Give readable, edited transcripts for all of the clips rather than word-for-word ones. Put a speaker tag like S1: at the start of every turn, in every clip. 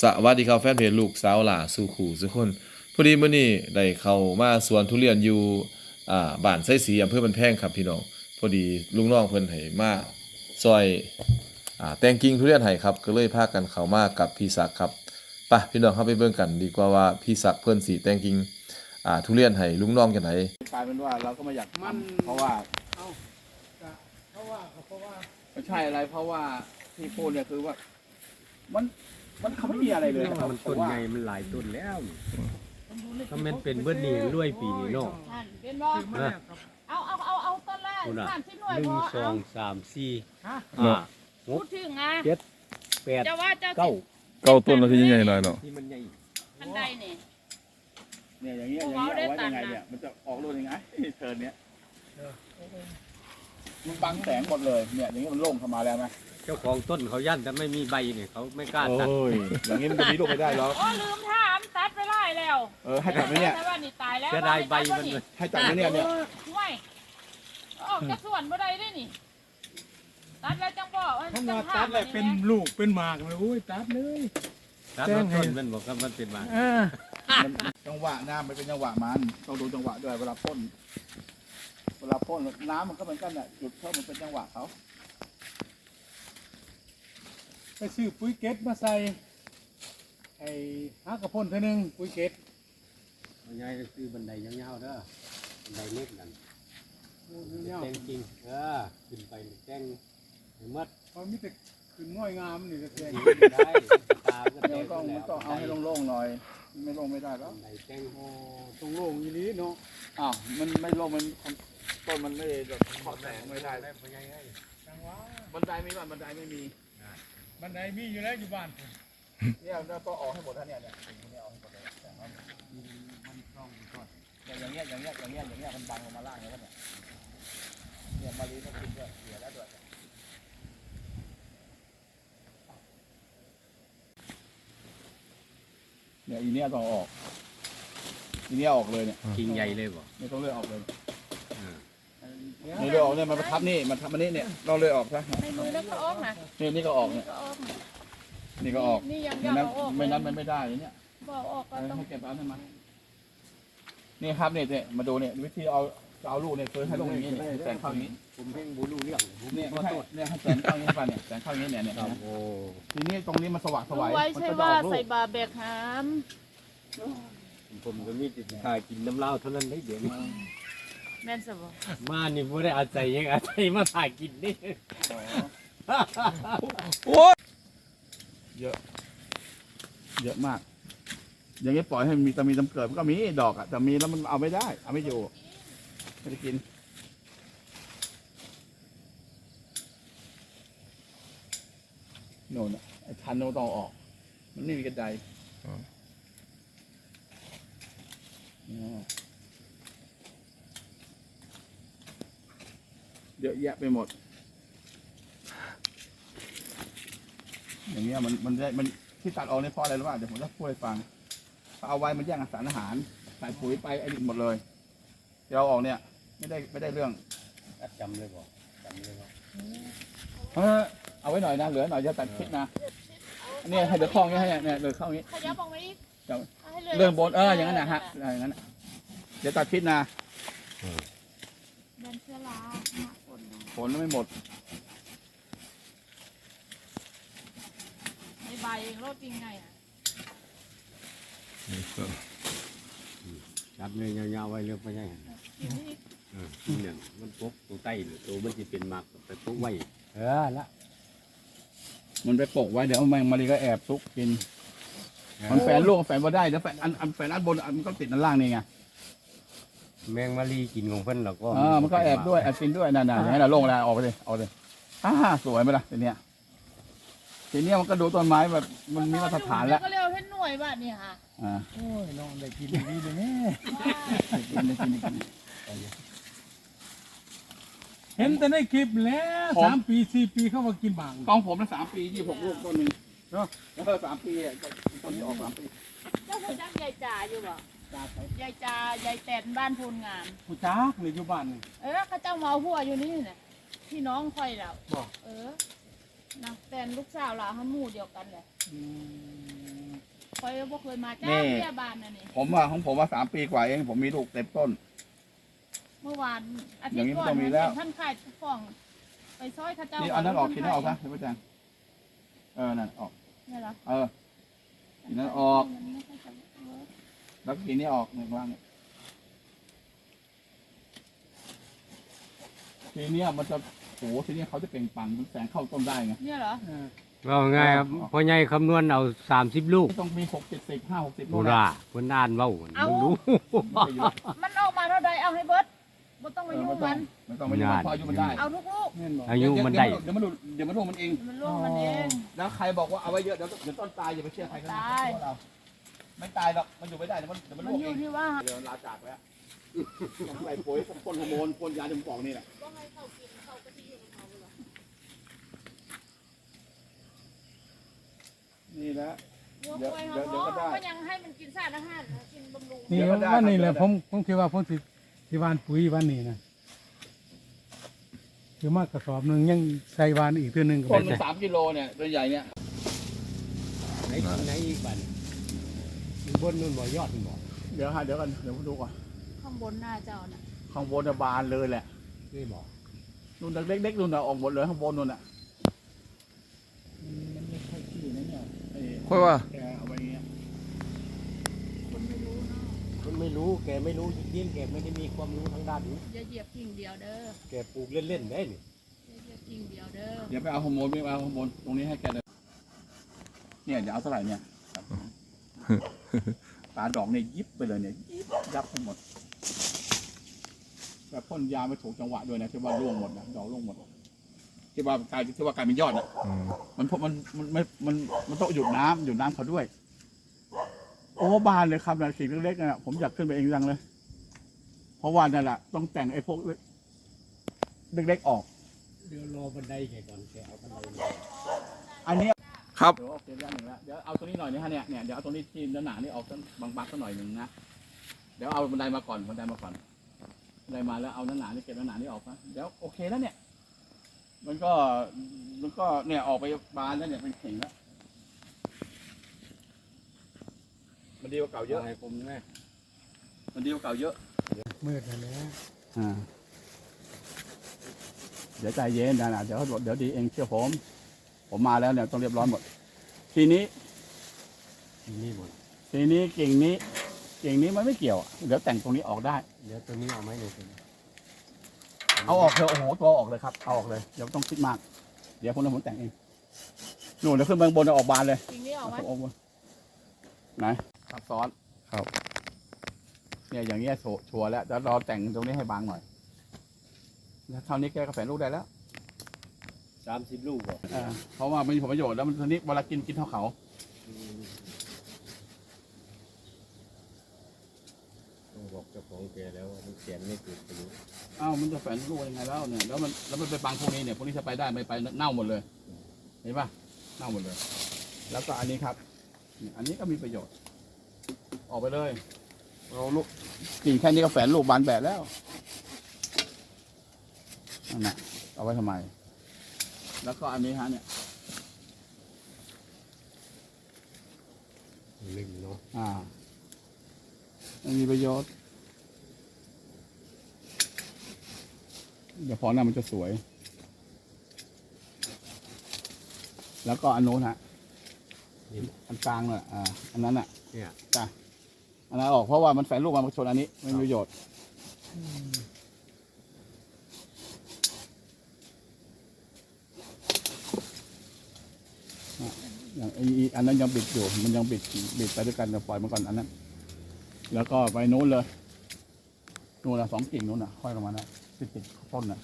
S1: สวัสดีครับแฟนเพจลูกสาวหล่าสู่ขู่ทุกคนพอดีมื้อนี้ได้เข้ามาสวนทุเรียนอยู่บ้านไส้สีอำเภอบันแพงครับพี่น้องพอดีลุงน้องเพิ่นให้มาซอยแต่งกิ่งทุเรียนให้ครับก็เลยพากันเข้ามากับพี่ศักดิ์ครับไปพี่น้องเข้าไปเบิ่งกันดีกว่าว่าพี่ศักดิ์เพิ่นสิแต่งกิ่งทุเรียนให้ลุงน้องจังได๋
S2: กลายเป็นว่าเราก็ไม่อยากทำเพราะว่าไม่ใช่อะไรเพราะว่าที่พูดเนี่ยคือว่ามันเขาไม่มีอะไรเลยนะครับ
S3: มันต้นใหญ่มันหลายต้นแล้วถ้ามันเป็นเบิดนี่รวยปีนี้เนาะ
S4: เป็นบ่เอาต้นแรก
S3: คุณอ่ะ
S4: 30หน่วย
S3: หนึ่
S4: พ
S3: ง
S4: อ
S3: สองสามสี่
S4: พูดถึงอ่ะ
S3: เจ็ดแปด
S4: จะว่าจะ
S3: เก้า
S1: เก้าต้นแล้วที่ใหญ่ๆหน่อยเนาะ
S3: ที่มันใหญ่
S4: อันใดนี่
S2: เนี่ยอย่างเงี้ยเอาไว้ยังไงเนี่ยมันจะออกรูปยังไงเทิร์นเนี้ยมันบังแสงหมดเลยเนี่ยอย่างเงี้ยมันโล่งเข้ามาแล้วไหม
S3: เจ้าของต้นเขายั่นแต่ไม่มีใบเนี่ยเขาไม่กล้าตัด
S2: อย่างงี้มันจะมีลูกไม่ได้หรอก
S4: โอ้ลืมถามตัดไปไล่แล้ว
S2: ให้ตัดไหมเนี่ย
S4: แต่ว่านี่ตายแล้ว
S3: จะได้ใบมันเลย
S2: ให้ตัดไหมเนี่ย
S4: ห่วยออกจากสวนบ่ได้เด้นี่ตัดแล้วจังบ่
S5: ท่านว่าตัดเลยเป็นลูกเป็นหมากเลยโอ้ยตัดเลย
S3: ตัดแล้วต้นมันบอกว่ามันเป็นมา
S2: จังหวะน้ำมันเป็นจังหวะมันต้องดูจังหวะด้วยเวลาพ่นน้ำมันก็เหมือนกันน่ะจุดเข้ามันเป็นจังหวะเขา
S5: ไปซื้อปุ๋ยเก็ตมาใส่ไอ้ฮักกระพ่นเท่านึงปุ๋ยเก็ต
S3: เอาง่ายก็คือบันไดยาวๆเด้อบันไดเล็กนั่น
S5: เนี่ย
S3: แต่งจริงขึ้นไปแต่งให้หมด
S5: พอมีแต่ขึ้นง่อยงามนี่ก็แค่
S3: ได้ตามก็
S2: เดี๋
S3: แต่
S2: ยว
S3: ง
S2: ต้องเอาให้โล่งๆหน่อยไม่โล่งไม่ได้แล้ว
S3: บันไดแต่ง
S5: โอ้ตรงโล่งอย่างนี้เนาะ
S2: อ้าวมันไม่โล่งมันต้นมันไม่แบบขอแสงไม่ได้
S3: เป็นไงไง
S5: จังหวะ
S2: บันไดมีบ้านบันไดไม่มี
S5: บันไดมีอยู่แล้วอยู่บ้านผม
S2: เนี่ยเราต้องออกให้หมดท่านเนี่ยสิ่งนี้ออกให้หมดเลยแต่ว่ามันต้องก่อนอย่างเงี้ยมันบังลงมาล่างแล้วเนี่ยมาลีมันกินด้วยเสียแล้วด้วยเนี่ยอีเนี้ยต้องออกอีเนี้ยออกเลยเนี่ย
S3: กิ่งใหญ่เลยบ่
S2: ไม่ต้องเลื่อยออกเลย
S3: อ่า
S2: นี่เลื่อยออกเนี่ยมันประทับนี่มันทับมันนี่เนี่ยเราเลื่อยออกซะ
S4: ในมือแล้วก็ออกนะ
S2: นี่ก็ออกเนี่ย
S4: ก็ออกนะ
S2: นี่ก็ออก
S4: นี่ยัง
S2: ไม่
S4: ยัง
S2: นั้น
S4: เอาออก
S2: ไม่นั้นมันไม่ได้เนี่ย
S4: บ่ออกก็ต้อง
S2: ให้เก็บเอาให้มันนี่ครับเนี่ยมาดูเนี่ยวิธีเอาลูกเนี่ยคือให้ลงอย่างนี้เนี่ยแสงเข้าอย่างนี้
S3: ผมเพ่งบูรู้เรื่องผม
S2: เนี่ย
S3: ข
S2: ไม่
S3: อ
S2: ใช่
S3: โทษ
S2: เนี่ยให้แสงเข้าอย่างนี้ป่ะเนี่ยแสงเข้าอย่างนี้เนี่ย
S3: ครับโอ้
S2: ทีนี้ตรงนี้มันสว่างส
S4: รู้
S2: วาย
S4: ไว้
S2: มัน
S4: ใช่
S2: ก็จะ
S4: ว่า
S2: ออกลู
S4: ใส่
S2: ก
S4: บาแบกหาม
S3: ผมก็มีติดถ่ายกินน้ำเหล้าเท่านั้นได้เดี๋ยวนี้
S4: แม่นซะบ่
S3: มานี่บ่ได้อาศัยยังอาศัยมาถ่ายกินนี่
S2: เยอะมาก อย่างนี้ปล่อยให้มีแต่มีตำเกิดมันก็มีดอกอ่ะแต่มีแล้วมันเอาไม่ได้เอาไม่อยู่ไม่ได้กินโน่นอ่ะไอ้ทันโนต้องออก มันไม่มีกระไดเยอะแยะไปหมด อย่างเงี้ยมันที่ตัดออกเนี่ยเพราะอะไรรู้ป่ะเดี๋ยวผมจะพูดให้ฟังเอาไว้มันแย่งสารอาหารใส่ปุ๋ยไปไอ้ดินหมดเลยที่เราออกเนี่ยไม่ได้เรื่อง
S3: จำเลยบ่จำเลยบ่
S2: เอาไว้หน่อยนะเหลือหน่อยจะตัดคลิปนะอันนี้ให้เหลือคล้องนี้ให้เนี่ยเหลือคล้องนี้
S4: ขยับออกมาอีก
S2: เจ้า
S4: าให้ลย
S2: เรื่องบนอย่างนั้นนะฮะอย่างนั้นน่ะเดี๋ยวตัดคลิปนะ
S4: แม่นเชื้อราหน้าฝนนะ
S2: ผลไม่หมด
S4: ในใบโรดจริงไงอ่ะ
S3: จับเลยยาวๆไว้เรื่องไปยัง
S4: กินนี่
S3: เนี่ยมันปกตัวใต้หรือตัวมันจะเป็นหมากไปปกไว้ละ
S2: มันไปปกไว้เดี๋ยวแมงมารีก็แอบซุกกินมันแฝงลูกแฝงบ่ได้เดี๋ยวแฝงอันแฝงอันบนมันก็ติดอันล่างนี่ไง
S3: แมงมารีกินของเพิ่นแล้วก็
S2: มันก็แอบด้วยแอบกินด้วยนั่นๆอย่างนั้นโล่งแล้วออกไปเลยสวยไหมล่ะทีเนี้ยมันก็ดูต้นไม้แบบมันมีมาตรฐานแล้ว
S4: ก็เรียกว่าเพชรหน่วยบ้านนี่ค่ะ
S5: โอ้ยน้องได้กินดีเลยแม่
S2: กิน
S5: เห็นแต่ในคลิปแล้ว3 ปี4 ปีเข้ามากินบาง
S2: ของผมนะ3 ปี26 ลูกต้นหนึ่งเนาะแล้วก็3 ปีต้นที่ออก3 ปี
S4: เจ้าคุณจักยายจ่าอยู่บ่
S2: จ้าไป
S4: ยายจ่ายายแตนบ้านพูนงาม
S5: ผู้จักในอยู่บ้านนี่
S4: เขาเจ้าเมาหัวอยู่นี่น่ะพี่น้องค่อยแล้ว
S5: บอก
S4: นะแตนลูกสาวเราเขาหมู่เดียวกันเลย
S5: อืม
S4: คอยบ่เคยมาจ้า
S2: นี่
S4: เบี้ยบานน่ะนี่
S2: ของผมว่า3 ปีกว่าเองผมมีลูกเต็มต้น
S4: เมื่อวานอาทิ
S2: อ
S4: ต
S2: ย่างนี้
S4: ย์ก่อน
S2: ต้องมีแล้ว
S4: ท่านขายฟ้องไปซอยข้าเจ้า
S2: นี่เอานั้นออกกินนั้นออกซะเดี๋ยวพ่อแจงนั่นออก
S4: เนี่ยเหรอ
S2: กินนั้นออก
S4: มันไม่ค่อยจะเวิร์ก
S2: แล้วกินนี้ออกในกลางเนี่ยทีเนี้ยมันจะทีนี้เขาจะเปล่งปลั่งแสงเข้าต้นได้ไง
S4: เนี่ยเหรอ
S3: ว่าไงครับพ่อใหญ่คำนวณเอา30 ลูก
S2: ต้องมี6 70 5 60
S3: โบราณเพิ่นอ่านเว้ารู้
S4: มันออกมาเท่าใดเอาให้เบิดบ่ต้องมายุ่งมัน
S2: มันต้องไม่ยุ่งพออายุมันได้
S4: เอาทุกลูก
S5: แม่นบอก
S3: อายุมันได้
S2: เดี๋ยวมันลูกมันเอง
S4: มันล่วงมันเอง
S2: แล้วใครบอกว่าเอาไว้เยอะเดี๋ยวต้นตายอย่าไปเชื่อใครกันนะ
S4: ตาย
S2: เราไม่ตายหรอกมันอยู่ไม่ได้เดี๋ยวมัน
S4: มัน
S2: ลูก
S4: อ
S2: เอยู่ ง
S4: ที่ว่า
S2: เดี๋ยวลาจากแล้วต้องใส่ปุ๋ยพ่นฮอร์โมนพ่นยาจมูกนี่แหละนี่แหละ
S4: วัวควายเขาก็ยังให้มันกินสารอาหารกินบำรุง
S5: นี่
S2: เดี๋ยวก็ได้
S5: วันนี้แหละ
S2: ครับ
S5: ผมคิดว่าผมสิหวานปุ๋ยวันนี้นะคือมากกระสอบหนึงยังใส่หวานอีกเทื่อนึงก็
S2: ต้น
S5: ไม่
S2: มัน
S5: ใช่
S2: 3 กิโลเนี่ยตัวใหญ่เนี่ย
S3: ไหนอีกบัดอยู่บนนู่นบ่ยอดบ่
S2: เดี๋ยวกันเดี๋ยวผมดูก่อน
S4: ข้างบนหน้าเจ้าน่ะ
S2: ข้างบนน่ะบานเลยแหละ
S3: นี่บ่
S2: นู่นเล็กๆนู่นน่ะออกหมดเลยข้างบนนู่นน่ะมันไม่ค่อยขี้นะเนี่ย
S1: ค่อยว่า
S2: แกเอาไว้อย่างเงี้ย
S4: คนไม่รู้เนาะ
S3: มันไม่รู้แกไม่รู้จริงๆแกไม่ได้มีความรู้ทางด้านนี้
S4: อย่าเหยียบกิ่งเดียวเด้อ
S3: แกปลูกเล่นๆได้นี่
S4: อย่าเหยียบกิ่งเดียวเด้อ
S2: เดี๋ยวไปเอาฮอร์โมนไม่เอาฮอร์โมนตรงนี้ให้แกเลยเนี่ยเดี๋ยวเอาเท่าไหร่เนี่ยตาดอกเนี่ยยิบไปเลยเนี่ยยิบยับไปหมดแบบพ่นยาไม่ถูกจังหวะด้วยนะที่ว่าร่วงหมดนะดอกร่วงหมดที่ว่ากลายเป็นยอดอ่ะ มันต้องหยุดน้ำเขาด้วย โอ้บานเลยครับนะสิ่งเล็กๆน่ะผมอยากขึ้นไปเองจังเลย เพราะว่านั่นแหละต้องแต่งไอ้พวกเล็กๆออก
S3: เดี๋ยวรอบันไดแกก่อนแกเอาบันไดมา
S2: อันเนี้ย
S1: ครับ
S2: เดี๋ยวโอเคด้านหนึ่งแล้วเดี๋ยวเอาตรงนี้หน่อยนะฮะเนี่ยเดี๋ยวเอาตรงนี้ที่หนาๆนี่ออกสักบางๆสักหน่อยหนึ่งนะเดี๋ยวเอาบันไดมาก่อนบันไดมาแล้วเอาหนาๆนี่เก็บหนาๆนี่ออกนะเดี๋ยวโอเคแล้วเนี่ย มันก็เนี่ยออกไปบานแล้วเนี่ยเป็นเข่งแล้วมันดีกว่าเก่าเยอะ
S3: ให้ผมแม่
S2: มันดีกว่าเก่าเยอะ
S5: มืดแล้วนะ
S2: เดี๋ยวใจเย็นนะเดี๋ยวดีเองเชื่อผมมาแล้วเนี่ยต้องเรียบร้อยหมด ทีนี้
S3: นี่หมด
S2: กิ่งนี้มันไม่เกี่ยวเดี๋ยวแต่งตรงนี้ออกได้
S3: เดี๋ยวตัวนี้เอาไหมเนี่ย
S2: เอาออกเถอะโอ้โหตัวออกเลยครับเอาออกเลยเดี๋ยวต้องคิดมากเดี๋ยวผมแต่งเองหนูเดี๋ยวขึ้นไปบนเอาออกบานเลย
S4: กิ่งนี้ออกไหม
S2: เอาออกบนไหนซับซ้อน
S1: ครับ
S2: เนี่ยอย่างเงี้ยชัวร์แล้วเดี๋ยวรอแต่งตรงนี้ให้บางหน่อยแล้วเท่านี้แกก็แฝงลูกได้แล้ว
S3: 30 ลูกบ่
S2: เพราะว่ามันมีผลประโยชน์แล้วมันทีนี้เวลากินเท่าเขา
S3: ต้องบอกเจ้าของแกแล้วว่ามันเขียนไม่ถูกประโยชน์
S2: อ้าวมันจะแฝงลูกยังไงแล้วเนี่ยแล้วมันไปบังพวกนี้เนี่ยพวกนี้จะไปได้ไม่ไปเน่าหมดเลยเห็นปะเน่าหมดเลย แล้วก็อันนี้ครับอันนี้ก็มีประโยชน์ ออกไปเลยเราลูกกิ่งแค่นี้ก็แฝงลูกบานแบบแล้วนั่นแหละเอาไว้ทำไม แล้วก็อันนี้ฮะเนี่ย
S3: ลึงเนาะ
S2: มันมีประโยชน์เดี๋ยวพอหน้ามันจะสวย แล้วก็อันโน้นฮะ
S3: นี่
S2: อันกลางน่ะอันนั้นอ่ะ
S3: เนี่ย
S2: จ้ะอันนั้นออกเพราะว่ามันแฝงลูกมาชนอันนี้ไม่มีประโยชน์อย่างอันนั้นยังบิดอยู่มันยังบิดไปด้วยกันปล่อยมันก่อนอันนั้น แล้วก็ไปโน้นเลยโน้นละ2 กิ่งโน้นน่ะค่อยลงมานะติดต้นน่ะ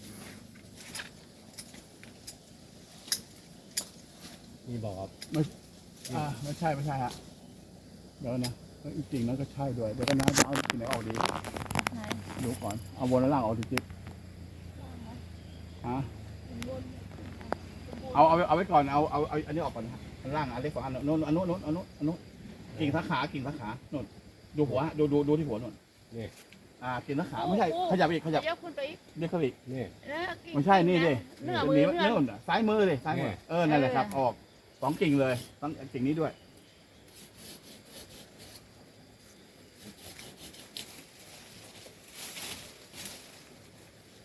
S3: นี่บอกครับ
S2: ไม่ใช่ฮะเดี๋ยวนะอีกกิ่งนั้นก็ใช่ด้วยเดี๋ยวก็นะจะเอากิ่งไหนออกดี
S4: ไหน
S2: ดูก่อนเอาบนและล่างออกจริงๆฮะเอาไว้ก่อนเอาอันนี้ออกก่อนนะอันล่างอันเล็กกว่าอันโน้นอันโน้นกิ่งสาขาโน้นดูหัวดูที่หัวโน้น
S3: นี่
S2: กิ่งสาขาไม่ใช่ขยับอีกขยับ
S4: เดี๋ยวคุณไปอีก
S2: เรียกเขาอีก
S3: นี่
S2: ไม่ใช่นี่ดิ
S4: เนื้อมือ
S2: เนื้อซ้ายมือเลยซ้ายมือนั่นแหละครับออก2 กิ่งเลยต้องกิ่งนี้ด้วย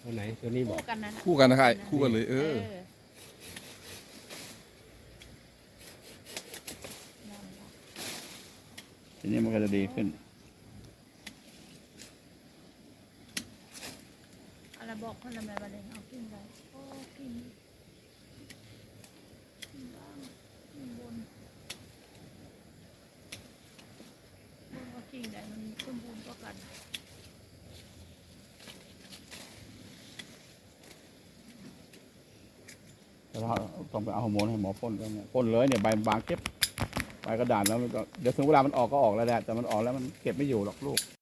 S3: ตัวไหนตัวนี้บอก
S4: คู่กันนั่นน่ะ
S1: คู่กันนะครับคู่กันเลย
S4: นั่
S1: เออ
S4: นล่ะ
S2: ทีนี้มันก็จะดีขึ้น
S4: อะไรบอกคนละแม่บัดนี้เอากินได้โอ้กินกินบ้างกินบนว่ากินได้มันสมบูรณ์กว่ากัน
S2: แต่ว่าต้องไปเอาฮอร์โมนให้หมอพ่นแล้วเนี่ยพ่นเลยเนี่ยใบบางเก็บใบกระดาษแล้วมันก็เดี๋ยวถึงเวลามันออกก็ออกแล้วแหละแต่มันออกแล้วมันเก็บไม่อยู่หรอกลูก